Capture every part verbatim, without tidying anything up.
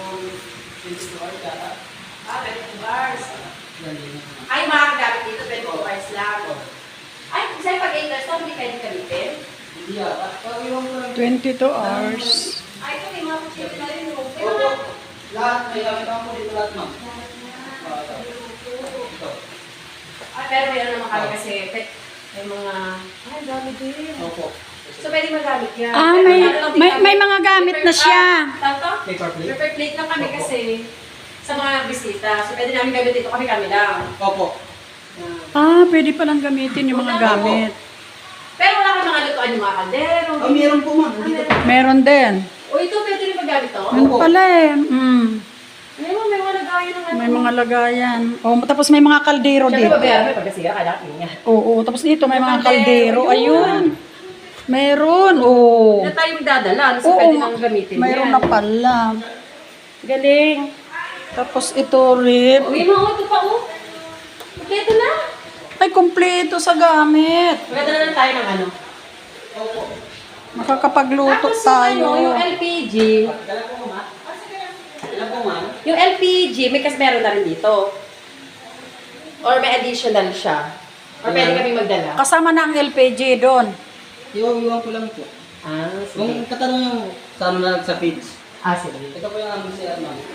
twenty-two hours yata. Ah, twenty-two hours. Yan din. Ay, makakagamit dito, twenty-two hours lang. Ay, kasi pag eight hours to, hindi pwede gamitin. Hindi yata. Pero iwan ko lang. twenty-two hours. Ay, ito may mga kutsili na rin. oh. May Opo. mga... Lahat, may gamit ako dito lahat, ma'am. Ah, ito. Ah, pero may ano naman kami kasi, pe- may mga... Ay, dami din. Opo. So, pwede magamit yan. Ah, Pero may, ano lang din may, kami, may mga gamit na paper- siya. Ah, tawag to? Paper plate? Paper plate lang kami Opo. kasi sa mga bisita. So, pwede namin gamit dito kami-kami lang. Opo. Yan. Ah, pwede palang gamitin yung mga gamit. Pero wala kang mga lutuan yung mga kaldero. Oh, meron po, ma'am. Ah, Dito po. meron. Meron din. O, ito pwede rin paggamit to? Ano pala eh. Mm. Ay, mo, may mga lagayan ng ano. May mga lagayan. Oh, tapos may mga kaldero Siyempre, dito. babayaran mo yung pagkasiya, kailangan niya. Oo, tapos dito may mga Kaldero, kaldero. yun. Ayun. Meron. Oo. Hindi na tayo magdadala. So, Oo, pwede nang gamitin mayroon yan. na pala. Galing. Tapos ito rip. Uy, mga ito pa, oh. Kompleto na. Ay, kompleto sa gamit. Magdadala na tayo ng ano. Opo. Makakapagluto Tapos yung ano, tayo. yung L P G. Kailan po, ma'am? Kailan po, ma'am? Yung L P G, may kas meron na rin dito. Or may additional siya. Or pwede kami magdala. Kasama na ang L P G doon. Iwan-iwan ko lang po. Ah, Kung sige. katanong yung sa ano na sa page. Ah, sige. Ito po yung aming C R, ma'am.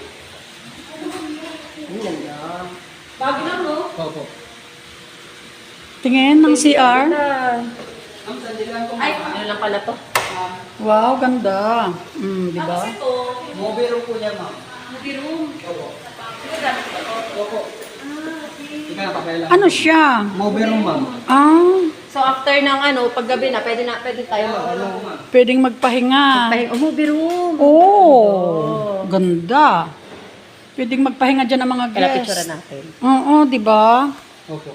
Ang ganda. Bago lang, no? Opo. Tingin ng C R. Ganda. Ma'am, sandali lang po, Ay, ma'am. ano lang pala to? Ma'am, Wow, ganda. Mm, di ba? Tapos ito, mobile room po niya, ma'am. movie room. Opo. Ano gamit ko to? Opo. Ah, okay. Ika na, papel lang. Ano siya? Mobile room, ma'am. Ah, So after ng ano, paggabi na, pwede na, pwede tayo mag ano. pwedeng magpahinga. Pahinga, oh, movie room. Oh, ganda. Pwedeng magpahinga dyan ng mga Kaya picture guests. natin. Oo, di ba? Opo.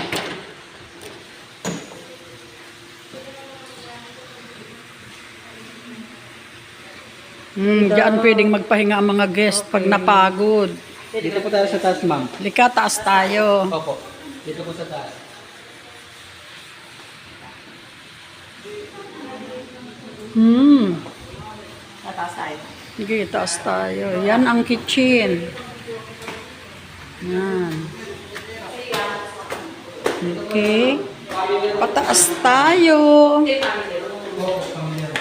Hmm, diyan pwedeng magpahinga ang mga guest pag napagod. Dito po tayo sa taas, ma'am. Lika, taas tayo. Opo. Dito po sa taas. Hmm, Tataas tayo. sige, taas tayo. Yan ang kitchen. Yan. Okay. Pataas tayo. Ito yung family room. Opo, family room.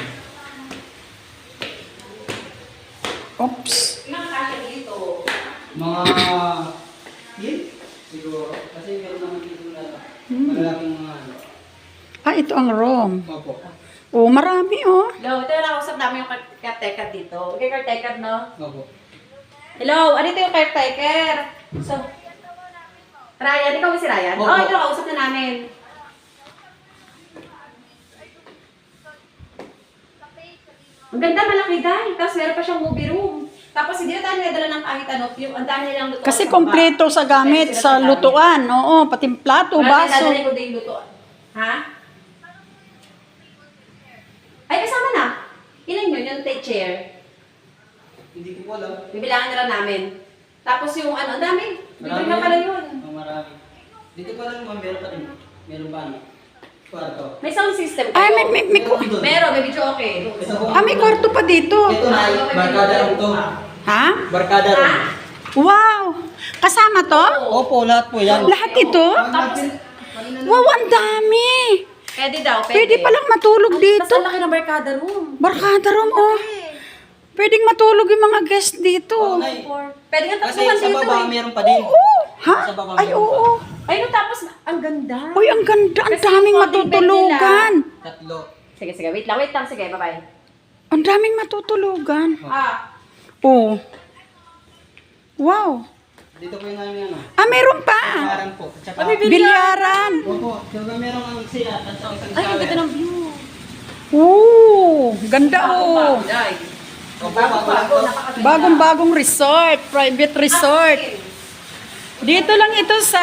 Oops. Ilang kasya dito? Mga... Yun? Siguro. Kasi meron naman dito na malalaking mga ano. Ah, ito ang room. Opo. Oh, marami oh. Hello, ito yung nakausap namin yung caretaker dito. Okay, caretaker, no? Opo. Hello, ano ito yung caretaker? So, Ryan, ikaw ba si Ryan? Opo. Oh, ito nakausap na namin. Ang ganda, malaki dahil. Tapos meron pa siyang movie room. Tapos hindi na tayo nadala ng kahit ano. Yung, ang dami nilang lutuan. Kasi sa kompleto baba. sa gamit, Kompleto sa gamit. lutuan. Oo, pati plato, Wala baso. na dadalhin ko din yung lutuan. Ha? Ay, kasama na. Ilan yun? Yung take chair. Hindi ko po alam. Bibilangan na lang namin. Tapos yung ano, ang dami. Libre Marami na yan. pala yun. Oh, marami. Dito pa lang, ma'am, meron pa din. Meron pa ano? Kwarto. May sound system Ay, kayo. may, may, may, Meron doon. Meron, may video okay. Ito po. ah, may kwarto pa dito. Ito na, barkada room to. Ha? Barkada room. Ha? Wow! Kasama to? Opo, lahat po yan. Lahat ito? Tapos, Wow, ang dami! pwede daw, pwede. Pwede palang matulog Mas dito. ang laki ng barkada room. Barkada room, oh. Pwedeng matulog yung mga guest dito. Oo, Nay. Or, pwede nga Kasi tatluhan sa dito baba, eh. meron pa din. Oo. Ha? Sa baba, Ay, meron oo. Ay, no, tapos, ang ganda. Uy, ang ganda. Ang Kasi daming yung folding bed matutulugan. Tatlo. Sige, sige, wait lang, wait lang, sige, bye-bye. Ang daming matutulugan. Ah, Oh. Wow. Dito po yung namin ano. Ah, meron pa. Bilyaran po. At saka, Bilyaran. opo, saka meron ang siya at saka isang ay, ang ganda shower. ng view. Oo. Ganda, oh. Ay, Opo, bago lang po. Bagong-bagong resort. Private resort. Dito lang ito sa...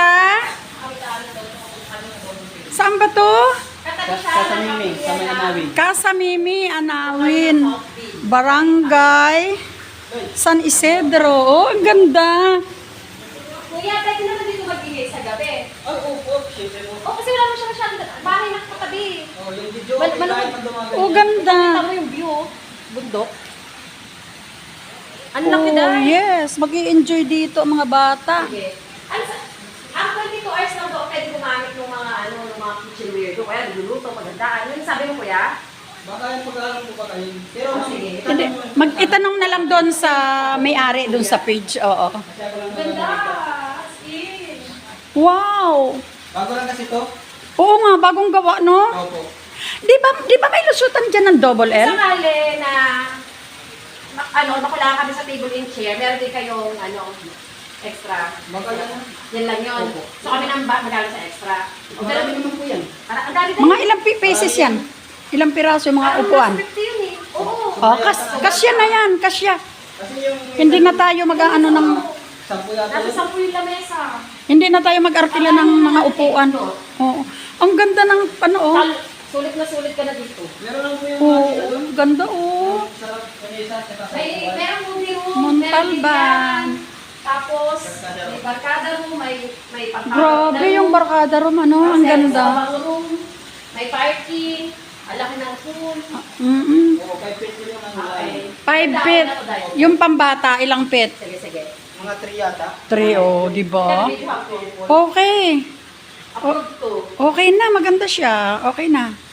Saan ba to? Sa sa Mimi, sa may Anawin. Casa Mimi, Anawin. Barangay San Isidro. Oh, ang ganda. Kuya, pwede naman dito mag-ingay sa gabi. Ay, opo, syempre po. Oh, kasi wala mo siya masyadong bahay na katabi. Oh, yung video, Mal- mal- kahit pag dumagal Oh, yan. ganda. Tama yung view, oh. Bundok. Ang laki Oh, dahil. yes. Mag-i-enjoy dito ang mga bata. Sige. Ano sa... Ang twenty-two hours lang doon, pwede gumamit ng mga, ano, ng mga kitchenware doon. Kaya nagluluto, magandaan. Ano yung sabi mo, kuya? Baka yung pag-aaral po ba kayo? Pero Oh, ma'am, sige. Hindi, mag-itanong na lang doon sa may-ari, doon sa page. Oo. Kasi ako lang Ganda! nalaman. As in. Wow! Bago lang kasi to. Oo nga, bagong gawa, no? Opo. Di ba, di ba may lusutan dyan ng double L? Sakali na, ma- ano, makulangan kami sa table and chair, meron din kayong, ano, extra. Baka yan. Yan lang yun. Opo. So kami nang ba- magaling sa extra. O, Marami pero, naman po yan. para- ang dami Mga ilang pi- pieces yan? Ilang piraso yung mga upuan? fifty yun eh. Oo. Oh, kas kasya na yan, kasya. Kasi yung... Hindi na tayo mag-ano ng... Sampu yata Nasa yun. sampu yung lamesa. Hindi na tayo mag-arkila ng mga upuan. Oo. Ang ganda ng ano, oh. Tal- Sulit na sulit ka na dito. Meron lang po yung Oo, mga ano. ganda, oh. Sarap. Kanisa. Saka sa May, upuan. merong movie room, Montalban. meron bilyaran, tapos may barkada room, may may pangkakot Grabe yung barkada room, ano. Ang ganda. room, may parking, ang laki ng pool. Mm-mm. Oo, five feet yun yung ano. Okay. Five Ganda, feet. ganda, ganda. Yung pambata, ilang feet? Sige, sige. Mga three yata. Three, oh, di ba? Video ako. Okay. Approved to. Okay na, maganda siya. Okay na.